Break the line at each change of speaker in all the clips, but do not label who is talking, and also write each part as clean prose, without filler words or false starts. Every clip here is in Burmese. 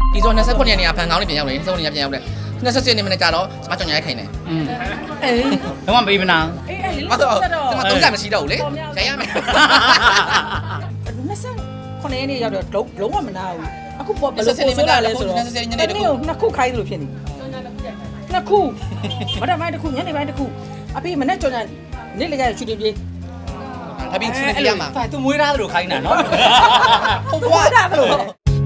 ဒီဆို29ရက်နေရဖန်ကောင်းနေပြန်ရောက်နေစုံနေရပြန်ရောက်တယ်27ရက်နေမနေ့ကြတော့စမကြောင်ရခိုင်နေ
အေးတော့မပေးမနာ
အေးအဲ့လေ
ဘာလို့ဒီမှာ30မရှိတော့ဘူးလေရရမယ်
29ရက်နေ့ရောက်တော့လုံးဝမနာဘူးအခုပေါ်ဘယ်လိုဆိုလာလဲဆိုတော့နှစ်ခုခိုင်းလို့ဖြစ်နေနှစ်ခုမနက်ပိုင်းတစ်ခုညနေပိုင်းတစ်ခုအဖေမနေ့ကြောင်နေ့လေကျချူတင်ပြေး
ဒါပြီးချင်းပြရမှာ
သူမွေးသားလို့ခိုင်းတာနော်
ဟုတ်ကွာ
ဒါဘယ်လို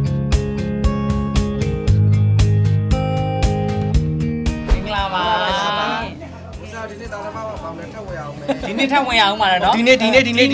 ပါ
ဦးစားဒီနေ့တောင်းတမအောင်လည်းထပ်ဝယ်အောင်မယ်
ဒီနေ့ထပ်ဝင်အောင်ပါနော်
ဒီနေ့လား
ဒီနေ့ဩဒီ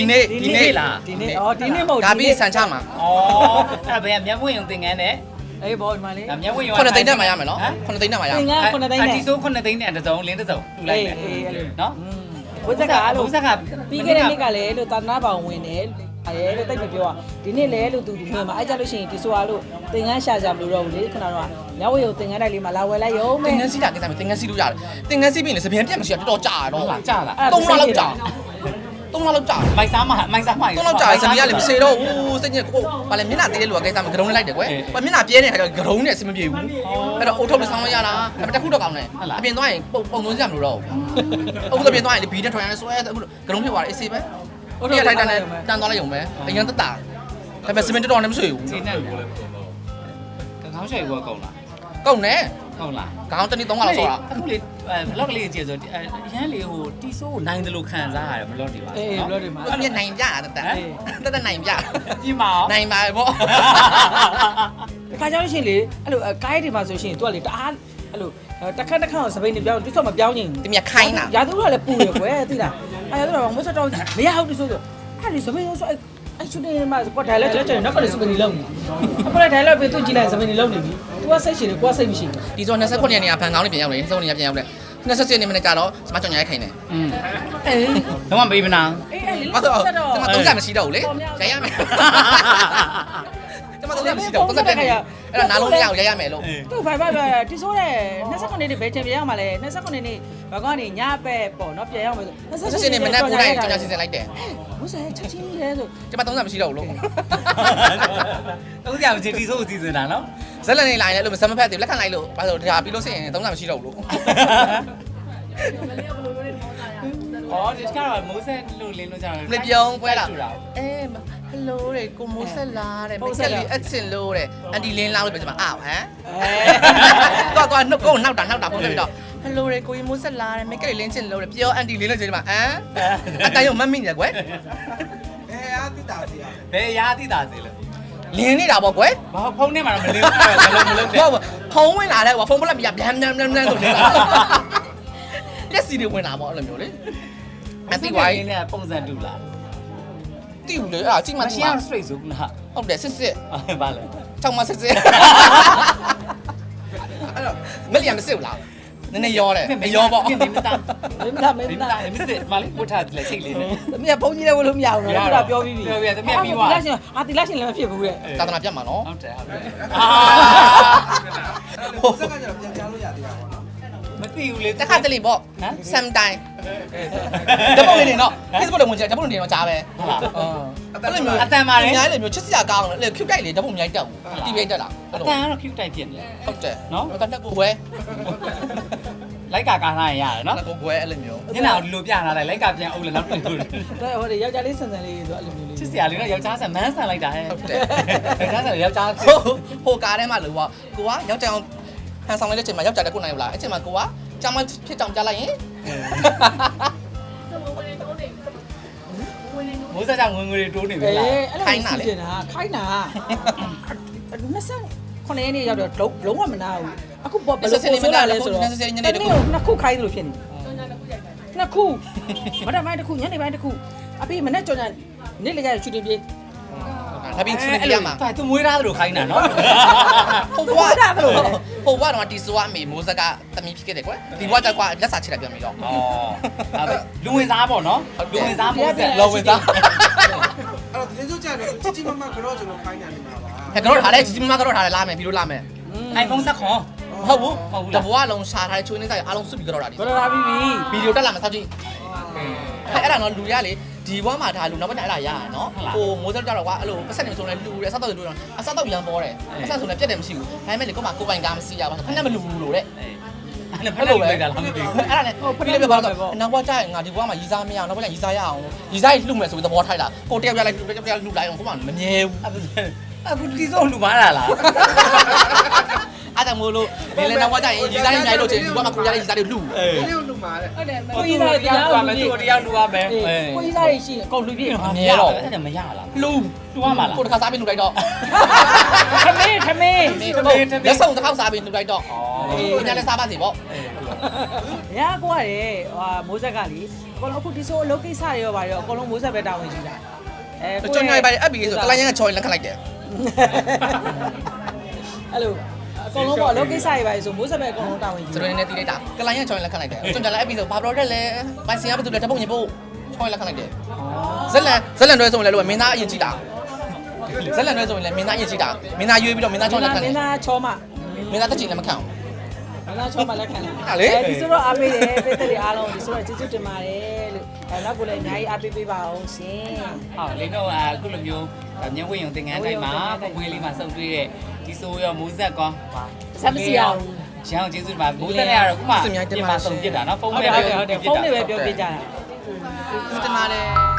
နေ့မဟုတ်
ဒါပြီးဆန်ချမှာ
ဩအဲ့ဘယ်မျက်ဝင့်ရုံသင်ငန်းနဲ့
အေးဘောဒီမှာလေ
မျက်ဝင့်ရုံ
9သိန်းတက်မှာရမယ်နော်9သိန်းတက်မှာရမယ်
သင်္ကန်း9သိန်းနဲ့
ဒီဆို9သိန်းနဲ့တစ်စုံလင်းတစ်စုံတူလိုက်မယ်
အေးအဲ့လို
နော်
ဘုဇက်ကအဲ့လို
ဘုဇက်က
ပြီးခဲ့တဲ့နေ့ကလည်းလို့တာနာပေါင်ဝင်တယ်အဲလို့တိတ်မပြောอ่ะဒီနေ့လဲလို့သူဒီမှာအဲ့ကြလို့ရှိရင်ဒီဆိုအားလို့သင်္ကန်းရှာကြမလို့တော့ဘူးလေခုနကတော့ညဝေကိုသင်္ကန်းတိုက်လေးမှာလာဝယ်လိုက်ရုံ
သ
ပဲ
င်ငန်းစီးတာကိစ္စမျိုးသင်ငန်းစီးလို့ရတယ်သင်ငန်းစီးပြီးရင်စပင်းပြတ်မရှိတော့တော်တော်ကြာတော့
ဟုတ်လားကြာလား
3လလောက်ကြာ3လလောက်ကြာ
မိုက်စားမမိုက်စားမ
3လလောက်ကြာစပင်းကလည်းမစေတော့ဘူးစိတ်ညစ်ကိုဘာလဲမျက်နှာသေးတဲ့လူကကိစ္စမဂရုံးလိုက်တယ်ကွယ်မျက်နှာပြဲနေတဲ့ခါကျဂရုံးနဲ့အဆင်မပြေဘူးအဲ့တော့အိုထုတ်လို့ဆောင်းလို့ရတာဒါပေမဲ့တစ်ခုတော့ကောင်းတယ်အပြင်သွားရင်ပုံသွင်းကြမလို့တော့အခုအပြင်သွားရင်ဘီနဲ့ထွန်ရမ်းဆွဲအခုဂရုံးဖြစ်သွားတယ်အေးစေးပဲဒီကထိုင်တန်သွားလိုက်ရုံပဲအရင်တက်တာဒါပေမဲ့စပင်းတော်နဲ့မဆွေဘူး
ဈေးနဲ့ကိုလည်းကောင်းရွှေဘောကုန်လား
ကုန်တယ်
ဟုတ်လား
ခေါင်းတနည်း3လလောက်ဆောတာ
အခုလေဘလော့ကလေးကြည့်ဆိုရမ်းလေဟိုတီဆိုးကိုနိုင်တယ်လို့ခံစားရတယ်ဘလော့တွေပါ
အေးဘလို့ဒီမှာ
အမြင်နိုင်ပြတက်နိုင်ပြ
ပြင်ပါအောင်
နိုင်ပါပေါ့
ဒီခါကျလို့ရှိရင်လေအဲ့လိုကိုင်းတွေမှာဆိုရှင်သူကလေတအားအဲ့လိုတစ်ခါကိုစပိန်တွေပြောင်းတိစော့မပြောင်းရင်
ဒီမြခိုင်းတာ
ရာသူကလည်းပူရယ်ကွယ်သိလားအဲ့ရာသူကမစတော့မရဟုတ်ဒီဆိုအဲ့ဒီစပိန်ဆိုအဲ့ချူနေမှာကွာဒါလည်းကျွန်တော်နောက်ကလည်းစပိန်တွေလုံးနေအခုလည်းဒါလည်းပဲသူကြည့်လိုက်စပိန်တွေလုံးနေပြီသူကစိတ်ရှိတယ်ကိုကစိတ်မရှိဘူး
ဒီဆို29ရက်နေရဖန်ကောင်းနေပြန်ရောက်နေစုံနေရပြန်ရောက်တယ်27ရက်နေမနေ့ကြတော့စမကြောင်ရခိုင်နေ
အေး
တော့မပေးမနာ
အေးအဲ့လေ
ဘာလို့ဒီမှာ30မရှိတော့ဘူးလေရရမယ်ဒီမှာ30မရှိတော့30ပြည့်နေအဲ့ဒါနားလုံးမရအောင်ရရမယ်လို့
သူ့ဘိုင်ဘိုင်ဒီဆိုတဲ့29နေ့ဘယ်ချိန်ပြန်ရောက်မှာလဲ29နေ့ဘာကနေညပဲပေါ့နော်ပြန်ရောက်မယ်ဆို
27ရက်နေမနေ့ကိုတိုင်းကြောင်ရစီစဉ်လိုက်တယ်
ဘုဆဲချက်ချင်းလဲဆို
ဒီမှာ30မရှိတော့ဘူးလို့
တော့ကြာမချင်တီဆိုးစီစဉ်တာနော်
ဇက်လက်နေလိုက်လဲလို့မစမ်းမဖက်သေးလက်ခံလိုက်လို့ဘာလို့ဒါပြီးလို့ရှိရင်30မရှိတော့ဘူးလို့
အော်ဒီကတော့မိုးဆက်လို့လင်းလို့ကြာတယ်
လေပြုံးပွဲလာအေးဟယ်လိုတဲ့ကိုမိုးဆက်လာတဲ့မိတ်ဆက်လီအချင်လို့တဲ့အန်တီလင်းလောက်လို့ပြောချင်မှာအော်ဟမ်တော့နှုတ်ကိုနောက်တာပုံပြပြီးတော့ဟယ်လိုတဲ့ကိုမိုးဆက်လာတဲ့မိတ်ကလေးလင်းချင်လို့တဲ့ပြောအန်တီလင်းလို့ပြောချင်မှာဟမ်အတိုင်းရောမမိညာကွယ်
အားတိတာစီရ
ဘယ်ရာတိတာစေလဲ
လင်းနေတာပေါ့ကွယ်
ဘာဖုန်းထဲမှာတော့မလင်းဘူးမလုံးနဲ့
ဟုတ်ဖုံးဝင်လာတဲ့ကွာဖုံးပလက်ပြဗျမ်ဆိုနေတာလက်စီတွေဝင်လာပေါ့အဲ့လိုမျိုးလေအတိဝိုင်း
နဲ့ပုံစံတူလား
တိဘူးလေအဲ့ဒါကြည့်မှ
မ
ကြ
ရှ
ည့်
င်း
မှ
အောင် straight ဆိုလား
ဟုတ်တယ်စစ်
ဘာလဲ
ချောင်းမစစ်အဲ့တော့မလျံမစစ်ဘူးလားနည်းနည်းရောတယ်မရောပေါ့
မင်းမသား
မင်းသားမ
မ
င်း
င်း
သား
သားမစစ်မလေးဝတ်ထားတယ်စိတ်လေးနဲ့
သမီးကဘုန်းကြီးလည်းဝလို့မရဘူးနော်သူကပြောပြီးပြီ
ပြောပြီးသမီးပြီးသွား
တိလရှင်တိလရှင်လည်းမဖြစ်ဘူးတဲ့
သာသနာပြတ်မှာနော်
ဟုတ်တယ်ဟုတ်တယ်
ဘုဇက်ကကျတော့ပြန်ကြားလို့ရသေးတာပေါ့နော်
မသိဘူးလေ
တခါတလေပေါ့
ဟမ်
sometime ဓာတ်ပုံလေးနေတော့ Facebook တော့ဝင်ကြဓာတ်ပုံလေးနေတော့ကြားပဲအဲ့လိုမျိုးအများကြီးလေမျိုးချစ်စရာကောင်းတယ်လေ cute တိုက်လေဓာတ်ပုံအများကြီးတက်ဘူးတီးရိုက်တက်တာ
အတန်ကတော့ cute တိုက်ဖြစ်နေတယ်
ဟုတ်တယ်
နော်
တော့တက်ကိုွယ်
လိုက်ကာကားထားရင်ရတယ်နော်
တက်ကိုွယ်အဲ့လိုမျိုး
ညနာကိုဒီလိုပြထားလိုက်လိုက်ကာပြန်အုပ်လည်းနောက်တွေ့လို့
ဟိုယောက်ျားလေးဆန်ဆန်လေးဆိုအဲ့လိုမျိုးလေး
ချစ်စရာလေးတော့ယောက်ျားဆန်မန်းဆန်လိုက်တာဟဲ့
ဟုတ်တယ်
ယောက်ျားဆန်ယောက်ျား
ဟိုကားထဲမှာလို့ပေါ့ကိုကယောက်ျားအောင်ဟန်ဆောင်လိုက်တဲ့အချိန်မှာယောက်ျားတက်ကိုနိုင်ဘူးလားအဲ့ချိန်မှာကိုကကြောင်မဖြစ်ကြောင်ကြားလိုက်ရင်
မိုးစားကြောင့်ငွေငွေတွေတိုးနေပြီလား
ခိုင်းတာခိုင်းတာ29ရက်နေ့ရောက်တော့လုံးဝမနာဘူးအခုပေါ်ဘယ်လိုဆိုလာလဲဆိုတော့နှစ်ခုခိုင်းလို့ဖြစ်နေနှစ်ခုမနက်ပိုင်းတစ်ခုညနေပိုင်းတစ်ခုအဖေမနေ့ကြောင်နေ့လေကျချူတင်ပြေး
ဒါပြီးချင်းပြရမှာ
သူမွေးသားလို့ခိုင်းတာနော်
ဟိုကတော့တီဆိုကအမေမိုးစက်ကတမီဖြစ်ခဲ့တယ်ကွယ်ဒီဘွားတက်ကွာလက်စာချစ်လိုက်ပြန်ပြီးတော့
ဩလူဝင်စားပေါ့နော်လူဝင်စားမိုးဆက်
လောဝင်သား
အဲ့တော့ဒီလိုကြတော့ជីជីမမကတော့ကျွန်တော်ခိုင်းနေမှာပါ
ဟဲ့ကတော့ထားတယ်ကြီးမကတော့ထားတယ်လာမယ်ပြီးလို့လာမယ်
iPhone ဆက်ခွန်
ဟုတ်ဘူးတဘွားလုံးရှာထားတဲ့ချိုးနေစားရအားလုံးစွတ်ပြီးကတော့တာဒီ
ဘယ်လိုလာပြီးပြီ
ဗီဒီယိုတက်လာမယ်စောက်ကြည့်အဲ့ဒါတော့လူရလေဒီဘွားမှာဒါလူနောက်ဘက်အဲ့ဒါရရနော်ဟိုမိုးစက်ကြတော့ကွာအဲ့လိုပတ်ဆက်နေဆိုလဲလူတယ်အဆောက်တော့လူတော့အဆောက်တော့ရန်ပေါ်တယ်အဆောက်ဆိုလဲပြတ်တယ်မရှိဘူးဒါပေမဲ့လေကိုမှကိုပိုင်ကားမစီရပါဘူးခဏမလူဘူးလို့တဲ့
အဲ့ဖက်လို့လိုက်တာလားမသိဘူး
အဲ့ဒါနဲ့ဟိုပြပြပါတော့နောက်ဘက်ကျရင်ငါဒီဘွားမှာရီစားမရအောင်နောက်ဘက်ကရီစားရအောင်ရီစားလှုပ်မယ်ဆိုပြီးသဘောထိုက်လာကိုတယောက်ပြလိုက်တယောက်ပြလှုပ်လိုက်အောင်ကိုမှမမြဲဘူး
အခုတီဆိုလူမားလာလား
အဲ့ဒါမို့လို့ဒီလေနောက်ဘက်ကျရင်ရီစားရမြိုင်လို့ချင်းဒီဘွားမှာကိုရတဲ့ရီစားတွေလှုပ်
အေး
။ဒီလိုလူမှာတဲ့
ဟုတ်တယ်
ကိုကြီးသားတရားလူမယ်သူတရားလူရမယ်
ကိုကြီးသားတွေရှိရင်အကုန်လူပြည့်
မမြဲတော့အဲ့ဒါမရလား
လှုပ်
တူရမှာလား
ကိုတခါစားပြီးလှုပ်လိုက်တော့
ထမင်း
လက်စုံတစ်ခေါက်စားပြီးလှုပ်လိုက်တော့အေးညလည်းစားပါစေပေါ့
ရကွာတယ်ဟိုမိုးဆက်ကလေအကုန်လုံးအခုဒီဆိုအလုပ်ကိစ္စတွေရောပါရောအကုန်လုံးမိုးဆက်ပဲတာဝန်ယူတာ
ချွန်ညိုင်ပါအပ်ပြီးဆိုကလိုင်းရန်ကချော်ရင်လက်ခလိုက်တယ်
အဲ့လိုအကုန်လုံးပေါ့အလုပ်ကိစ္စတွေပါဆိုမိုးဆက်ပဲအကုန်လုံးတာဝန်ယူ
စရွေးနေတီးလိုက်တာကလိုင်းရန်ချော်ရင်လက်ခလိုက်တယ်ချွန်ကြလည်းအပ်ပြီးဆိုဘာပရော်တက်လဲပိုင်စင်ရဘာတူလဲတပုတ်ညပုတ်ချော်ရင်လက်ခလိုက်တယ်ဇက်လန်တွဲဆိုရင်လည်းလို့မင်းသားအရင်ကြည့်တာဇက်လန်တွဲဆိုရင်လည်းမင်းသားအရင်ကြည့်တာမင်းသားရွေးပြီးတော့မင်းသားချော်လက်ခ
မ
လိုက်
င်းသားချောမ
မင်းသားတက်ချင်လည်းမခံဘူး
မင်းသားချောမလက်ခံတယ်
ဟာလေ
ဒီဆိုတော့အားပေးတယ်ပိတ်သက်တွေအားလုံးဒီဆိုတော့ကျေးဇူးတင်ပါတယ်လို့နောက်ကိုလည်းအများကြီးအားပေးပေးပါအောင်ရှင်
ဟုတ်လင်းတော့အခုလိုမျိုးညဝင်းရုံသင်္ကန်းတိုင်းမှာပပွေးလေးမှာစုပ်တွေ့တဲ့ဒီဆိုရောမိုးဆက်ကော
ဇက်မစီအောင်
ရအောင်ကျေးဇူးပါမိုးဆက်ရတော့ခုမှပြင်မှာစုံပြစ်တာနော်ဖုန်း
ဟုတ်
နဲ့
တယ်ဟုတ်တယ်ဖုန်းနဲ့ပဲပြောပြကြတာ
တင်ပါတယ်